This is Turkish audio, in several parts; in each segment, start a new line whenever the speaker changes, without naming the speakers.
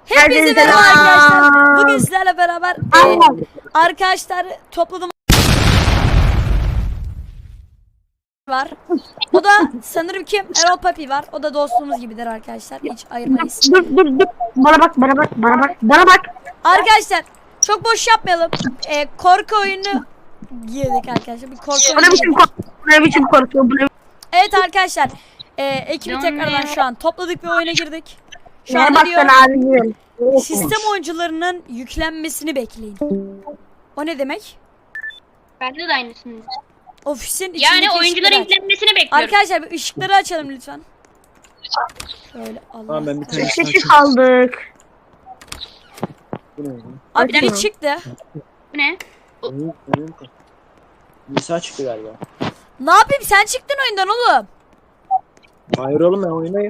Hepinize merhaba arkadaşlar. Bugün sizlerle beraber arkadaşlar topladım var. O da sanırım ki Erol Papi var. O da dostluğumuz gibidir arkadaşlar. Hiç ayırmayız.
Dur. Bana bak.
Arkadaşlar çok boş yapmayalım. Korku oyunu girdik arkadaşlar. Bir korku oyunu girdik.
Bu ne biçim korku?
Evet arkadaşlar. Ekibi tekrardan şu an topladık ve oyuna girdik. Şu anda
bak
diyor
sen abi.
sistem oyuncularının yüklenmesini bekleyin. O ne demek?
Bende de aynısını.
Ofisin içindeki
Yani oyuncuların
ışıkları aç.
yüklenmesini bekliyorum.
Arkadaşlar bir ışıkları açalım lütfen. Şöyle Allah.
Tamam ben bir tane
Kişi kaldık.
Bu ne?
Abi
Açın.
bir çıktı.
Bu ne?
Oyun Nisa çıktı galiba.
Ne yapayım sen çıktın oyundan oğlum.
Hayır oğlum ben oyundayım.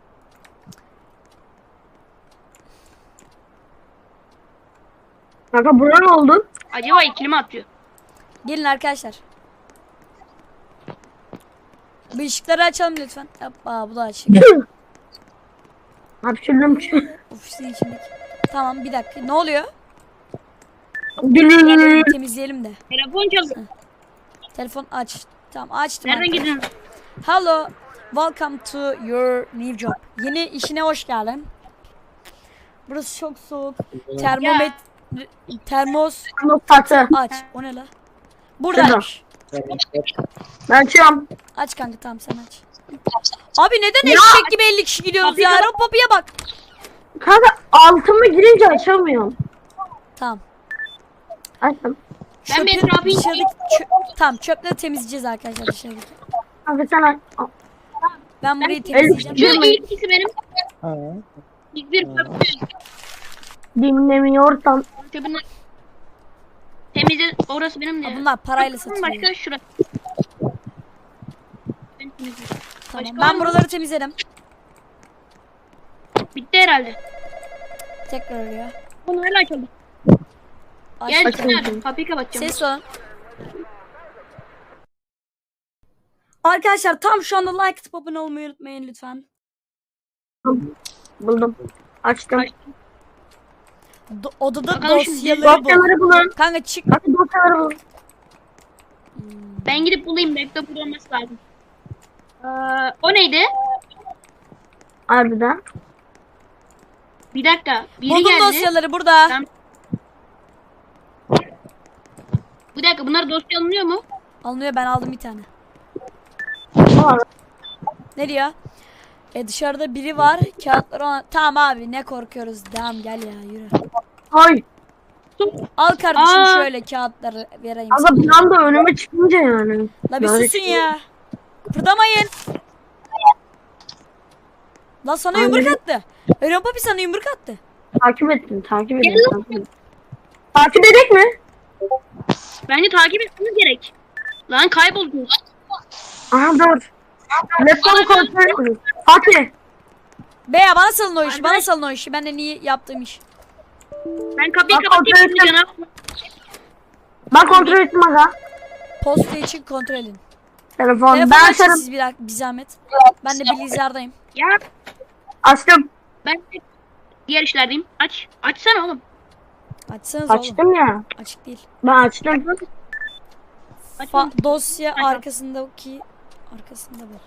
Kanka buna ne oldu?
Acaba ikili mi atıyor?
Gelin arkadaşlar. Bir ışıkları açalım lütfen. Hoppa bu da açık.
Hapşırdım.
Ofisin içindeki. Tamam bir dakika ne oluyor?
Gülüm.
Temizleyelim de.
Telefon çalıyor.
Telefon aç. Tamam açtım.
Nereden
arkadaşlar.
gidiyorsun?
Hello. Welcome to your new job. Yeni işine hoş geldin. Burası çok soğuk. Termos
Noktası.
aç. O ne la? Buradaymış.
Ben açıyorum.
Aç kanka tamam sen aç. Abi neden eşek gibi 50 kişi gidiyoruz ya? Erol Papi'ye bak.
Kanka altıma girince açamıyorum.
Tamam.
Açtım.
Ben bir etrafı
dışarıdaki tamam çöpleri temizleyeceğiz arkadaşlar dışarıdaki.
Kanka sen aç.
Ben burayı
Şu
temizleyeceğim.
ilk ikisi benim.
Ha.
İlk bir çöp.
Dinlemiyorsan.
Çöpün temizle. Orası benim de.
Bunlar parayla
Başka
satılıyor.
şurası. Ben temizledim.
Tamam.
Başka
Ben
var mı?
buraları temizledim.
Bitti herhalde.
Tekrar oraya.
Bunu hala açalım. Gel
Aç.
Çınar. Kapıyı kapatacağım.
Ses olun. Arkadaşlar tam şu anda like atıp abone olmayı unutmayın lütfen.
Buldum. Açtım.
Odada
Bakalım şimdi.
dosyaları bul.
Dosyaları bulun.
Kanka çık.
Kanka dosyaları bulun.
Ben gidip bulayım. Laptop burada olması lazım. O neydi?
Harbiden.
Bir dakika. Biri
Buldum
geldi.
dosyaları burada.
Tamam. Bir dakika. Bunlar dosya alınıyor mu?
Alınıyor ben aldım bir tane.
Aa,
Ne diyor? Dışarıda biri var. Kağıtları ona... Tamam abi ne korkuyoruz. Devam gel ya yürü.
Ay.
Al kardeşim
Aa.
şöyle kağıtları vereyim sana.
Kanka bir anda önüme çıkınca yani.
La bir
Yani-
susun ya. Kıpırdamayın. La sana
Abi.
yumruk attı. Erol Papi sana yumruk attı.
Takip ettim. Takip edek mi?
Bence takip etmemiz gerek. Lan kaybolduk.
Aha dur. Laptopu kontrol edin. Fatih.
Be ya bana salın o işi. Bana salın o işi. Ben de niye yaptığım iş.
Ben kapıyı
Bak,
kapatayım
kontrol
şimdi
ettim.
canım.
Ben kontrol ettim aga.
Posta için kontrol edin.
Telefon.
Telefonu
Ben
açın
açarım.
siz bir zahmet. Ben de bilgisayardayım.
Ya
Açtım.
ben de diğer işlerdeyim. Aç. Açsana oğlum.
Açsanız oğlum.
Açtım ya.
Açık değil.
Ben açtım.
Aç.
Dosya arkasındaki arkasında bu.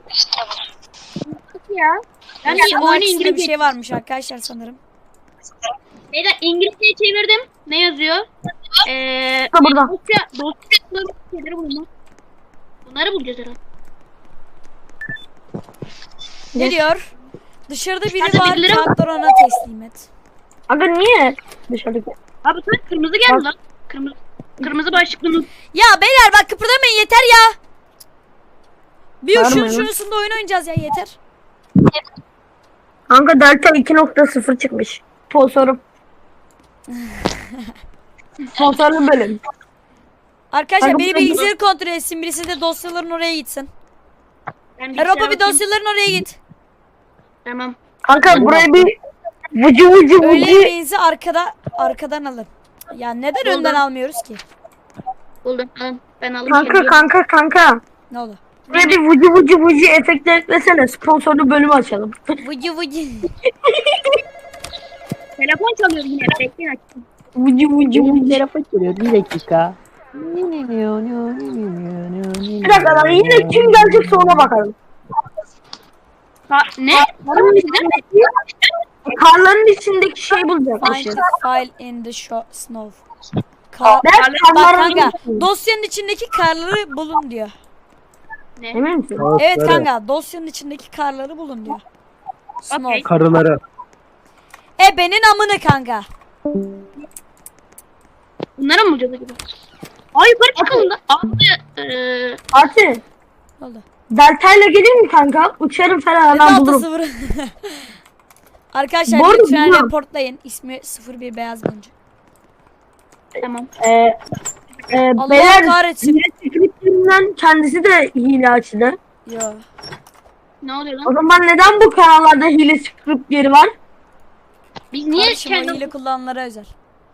Ya. Ben de
Dosyanın
oyunu
arkasında bir
İngilizce.
şey varmış arkadaşlar sanırım.
Beyler İngilizceye çevirdim. Ne yazıyor?
Burada.
Dosya şeyleri bulma. Bunları bulacağız herhalde.
Ne diyor? Dışarıda biri
Dışarıda
var.
birileri var.
Kağıtları ona teslim et.
Aga niye? Dışarıdaki.
Abi sen kırmızı geldi lan. Kırmızı başlıklı mı?
Ya beyler bak kıpırdamayın yeter ya. Bir
Bağırmayın lan.
şunusunda oyun oynayacağız ya yeter.
Kanka Delta 2.0 çıkmış. Sponsorum. Sponsorlu bölüm.
Arkadaşlar
Kanka,
beni
bu-
bilgisayarı kontrol etsin. Birisi de dosyaların oraya gitsin.
Ben
Erol
bilgisayara
Papi
bakayım.
dosyaların oraya git.
Tamam.
Kanka buraya bir vıcı
Öğle
vıcı.
yemeğinizi arkadan alın. Ya neden
Buldum.
önden almıyoruz ki?
Buldum. Alın. Ben aldım.
Kanka.
Ne oldu?
Buraya bir vıcı vıcı efektler eklesene. Sponsorlu bölümü açalım.
Vıcı vıcı.
Telefon çalıyor yine. Bekleyin açayım.
Vucu vucu vucu.
Telefon çalıyor bir dakika.
Bir dakika lan yine kim gelecekse ona bakalım.
Ne?
Karların içindeki, karların içindeki şey bulacak.
Find the file in the snow. Kar
Ben
Bak
karların
kanka dosyanın içindeki karları bulun diyor.
Emin misin?
Evet kanka dosyanın içindeki karları bulun diyor. Snow.
Okey.
Karıları.
Benin amını kanka.
Bunlara mı bulacağız acaba? Aa yukarı çıkalım da.
Fatih.
Ne oldu?
Delta'yla gelir mi kanka? Uçarım falan hemen
Delta
bulurum.
0. Arkadaşlar
Bu arada
lütfen
biliyorum.
reportlayın. İsmi 01 Beyaz Gonca.
Tamam.
Allah
Beyler
kahretsin.
hile scriptlerinden kendisi de hile açtı.
Yo.
Ne oluyor
O
lan?
zaman neden bu kanallarda hile scriptleri var?
Biz niye
Kardeşim o
kendi...
hile kullananlara özel.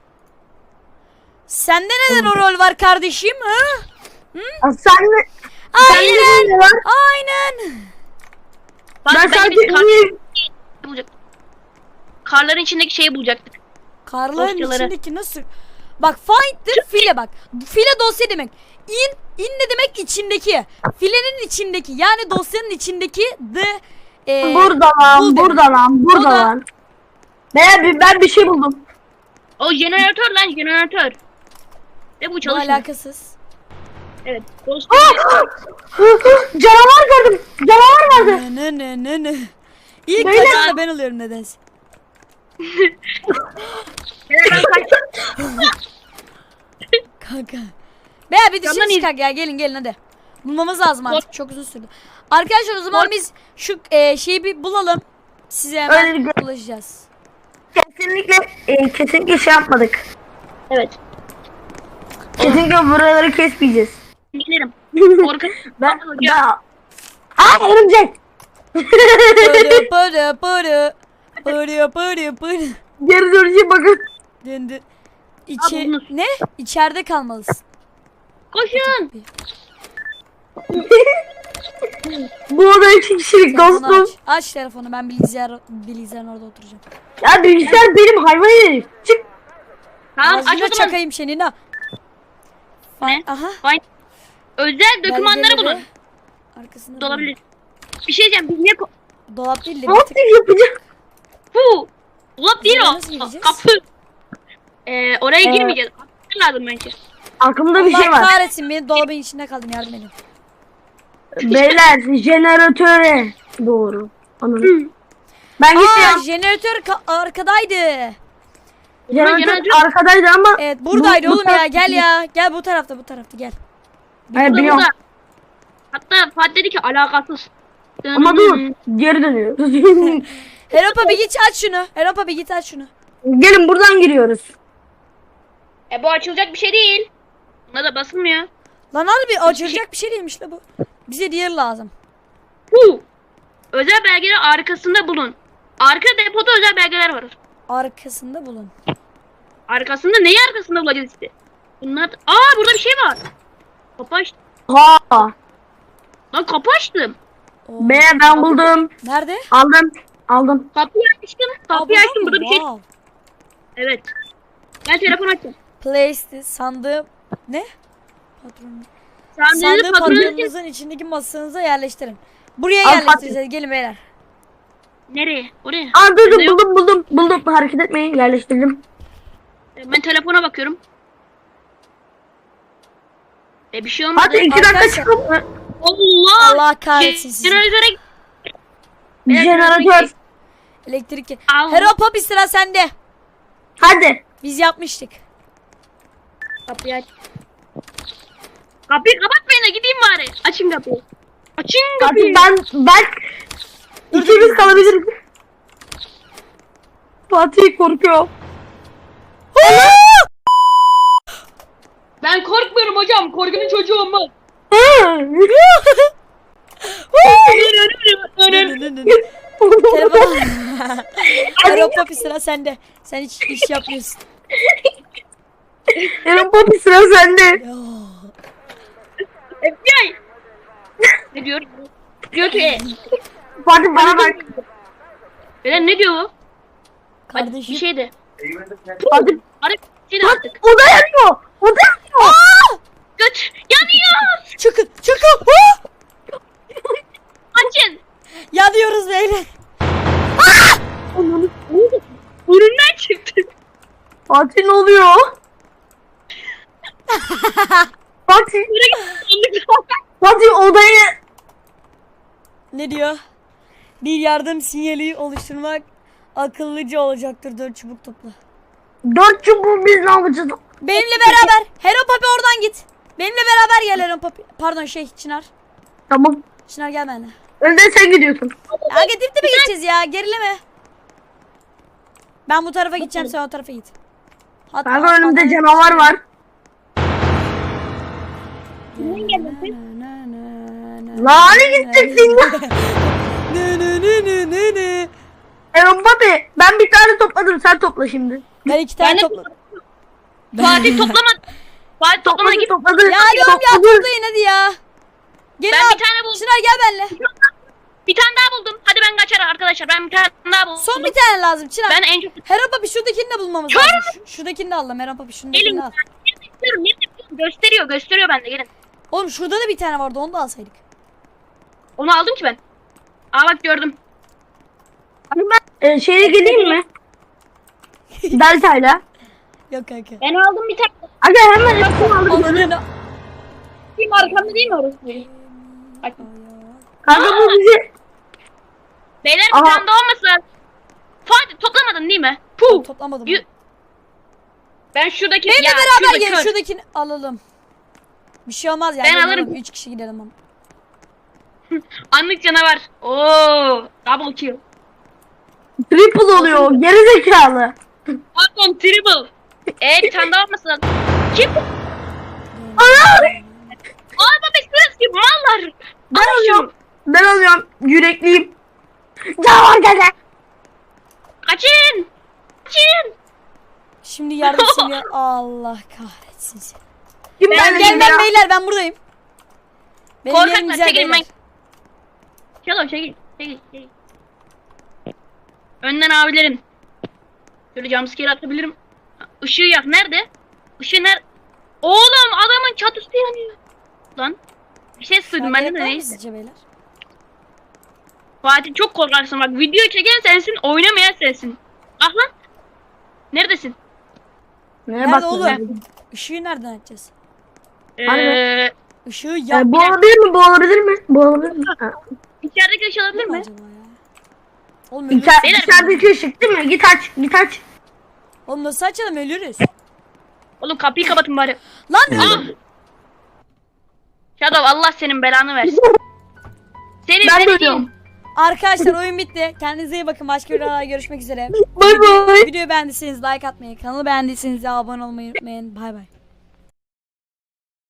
Sende neden o rol var kardeşim? Ha?
Sen de
Aynen.
hile var.
Aynen.
Bak,
Ben
bence
sadece
biz
hile...
bulacaktık. Karların içindeki şeyi bulacaktık.
Karların
Dosyaları.
içindeki nasıl? Bak find'dir file bak. File dosya demek. In ne demek içindeki. Filenin içindeki yani dosyanın içindeki
Burada lan,
bul
burada
demek.
lan, burada
O da-
lan. Ben bir şey buldum.
O jeneratör lan jeneratör. Ve bu
Bu
çalışmıyor.
alakasız.
Evet.
Canavar gördüm. Canavar vardı.
Ne. İlk
Beyler.
kaçan da ben oluyorum nedense. Kanka. Beyler bir dışarı
Tamam,
çıkak ya gelin hadi. Bulmamız lazım artık çok uzun sürdü. Arkadaşlar o zaman biz şu şeyi bir bulalım. Size hemen
Öyle
ulaşacağız.
Kesinlikle şey yapmadık.
Evet.
Kesinlikle buraları kesmeyeceğiz.
Gidelim. Korkun.
Ben... Örümcek.
Pırı.
Geri dönüşe bakın.
Döndü.
Abi bunu-
Ne? İçeride kalmalısın.
Koşun.
Bu oda 2 kişilik
Telefonu
dostum.
aç telefonu ben bilgisayarın orada oturacağım.
Ya bilgisayar benim hayvan herif. Çık.
Tamam aç
Ağzına
o zaman.
çakayım senin ha.
Ne?
Aha.
Özel dokümanları
belgeleri
bulun.
Arkasında
Dolabilir. Bir şey diyeceğim. Biz niye...
Dolap değil de
Ne
bir tık.
yapacak?
Fu. Dolap değil
Buraya
o.
nasıl gireceğiz?
Kapı. Oraya girmeyeceğiz. Kapı lazım bence.
Aklımda bir
Allah
şey var.
kahretsin beni dolabın içinde kaldım yardım edin.
Beyler jeneratöre doğru. Anladım. Ben
Aa
gitmiyorum.
jeneratör arkadaydı.
Jeneratör
jeneratör-
arkadaydı ama.
Evet buradaydı
bu
oğlum ya
taraf-
gel ya. Gel bu tarafta gel.
Hayır
Burada,
biliyorum.
burada. Hatta Fatih dedi ki alakasız.
Ama dur. Geri dönüyor.
Heropa bir git aç şunu. Heropa bir git aç şunu.
Gelin buradan giriyoruz.
Bu açılacak bir şey değil. Buna da basılmıyor.
Lan abi açılacak bir şey değilmiş la bu. Bize diğer lazım.
Fu. Özel belgeler arkasında bulun. Arka depoda özel belgeler var.
Arkasında bulun.
Arkasında neyi arkasında bulacağız işte? Bunlar... burada bir şey var. Kapı açtım.
Ha.
Lan kapı açtım.
Oo.
Beyler ben buldum.
Nerede?
Aldım.
Kapıyı açtım. Kapıyı
Aa,
açtım. Burada bir şey...
Wow.
Evet. Ben telefon açtım.
Place sandığı ne? Patron.
Sandığınızı
Sandığı
patronunuz
patronunuzun içindeki masanıza yerleştirin. Buraya
Al,
yerleştireceğiz. Gelin beyler.
Nereye? Oraya.
Aa dur
Ne yok?
buldum. Hareket etmeyin yerleştirdim.
Ben telefona bakıyorum. Bir şey olmadı.
Hadi 2 dakika
Arkadaşlar-
çıkalım.
Allah!
Allah kahretsin sizi.
Jeneratöre...
Jeneratör.
Elektrik.
Allah.
Heropa bir sıra sende.
Hadi.
Biz yapmıştık.
Kapıyı aç. Kapıyı kapatmayın da gideyim bari. Açın kapıyı. Açın kapıyı.
Fatih ben ikimiz kalabiliriz. Fatih korkuyor.
Ben korkmuyorum hocam. Korkunun çocuğu olmaz.
Telefon. Heropa bir sıra sende. Sen hiç iş yapmıyorsun.
Yarın Poppy sıra sende.
FBI. Ne diyor? Diyor ki
Fatih bana bak.
Beden ne diyor bu?
Kardeşim.
Bir şeydi.
Hadi.
Hadi bir şeydi artık.
O da yanıyor. O da yanıyor.
Göt. Yanıyor.
Çıkın çıkın. Hu!
Açın.
Yanıyoruz beyler.
Burnundan çıktı.
Fatih ne oluyor? Fatih. Fatih odayı.
Ne diyor? Bir yardım sinyali oluşturmak akıllıca olacaktır. 4 çubuk topla.
4 çubuğu biz ne yapacağız?
Benimle beraber. Hero Papi oradan git. Benimle beraber gel Hero Papi. Pardon Çınar.
Tamam.
Çınar gel benimle.
Önde sen gidiyorsun.
Ya gidip de mi gideceğiz ya? Gerileme. Ben bu tarafa gideceğim, sen o tarafa git. Hatta
Kanka önümde canavar var. Lan gideceksin ya. Papi ben bir tane topladım sen topla şimdi.
Ben 2 tane
Ben de
topladım.
Fatih toplamadı. Fatih toplamadı git.
Topladı.
Ya diyorum ya toplayın hadi ya. Gelin
Ben
abi.
bir tane buldum.
Çınar gel benimle.
Bir tane daha buldum. Hadi ben kaçar arkadaşlar. Ben bir tane daha buldum.
Son bir tane lazım Çınar.
Ben en çok...
Hero Papi şuradakini de bulmamız
Kör
lazım. Şuradakini de al lan Hero Papi
Gelin.
şuradakini al.
Gösteriyor bende gelin.
Oğlum şurada da bir tane vardı onu da alsaydık.
Onu aldım ki ben. Aa bak gördüm.
Şeye geleyim mi? Delta'yla.
Yok kanka.
Ben aldım bir tane.
Aga hemen hepsini aldım.
Onların
Kim arkamda değil mi orası? Bak.
Kanka bu bizi.
Beyler
Aha.
bir tane daha olmasın. Fatih toplamadın değil mi? Puh.
toplamadım.
Yü- Ben şuradaki...
Benimle
Ya,
beraber
şurada
gelin
kör.
şuradakini alalım. Bir şey olmaz ya.
Ben
gelin
alırım.
oğlum, 3 kişi gidelim ama.
Anlık canavar. Oo, double kill.
Triple oluyor. Geri zekalı.
Pardon triple. Bir tane daha olmasın. Kim?
Ana!
Aa bebek sırası gibi mallar.
Ben alıyorum. Ben alıyorum. Yürekliyim. Canavar geldi.
Kaçın. Kaçın.
Şimdi yardım seni. Allah kahretsin seni.
Kim
Ben
Ben
geldi
gelmem
ya?
beyler ben buradayım. Benim yerim
Korkaklar
güzel
çekilin ben.
beyler.
Çalo çekil. Çekil. Önden abilerim. Şöyle jumpscare atabilirim. Işığı yak. Nerede? Işığı nerede? Oğlum adamın çatısı yanıyor. Lan. Bir şey sığdım ben de
Gerek var mı
neyse.
sizce beyler?
Fatih çok korkarsın bak. Video çeken sensin, oynamayan sensin. Ah lan. Neredesin?
Nerede oğlum? Işığı nereden açacağız?
Ee,
Işığı yap.
Bu olabilir mi? Bu olabilir mi? Bu olabilir mi? Ha.
içerideki ışığı alabilir mi?
Acaba ya? Oğlum ölürüz.
Beyler-
İçerideki ışık değil mi? Git aç. Git aç.
Oğlum nasıl açalım ölürüz.
Oğlum kapıyı kapatın bari.
Lan
Ah! Shadow Allah senin belanı versin. Senin
Ben
seni
bölüyorum.
değil.
arkadaşlar oyun bitti. Kendinize iyi bakın. Başka videolarda görüşmek üzere.
Bay bay.
Videoyu beğendiyseniz like atmayı, kanalı beğendiyseniz de abone olmayı unutmayın. Bay bay.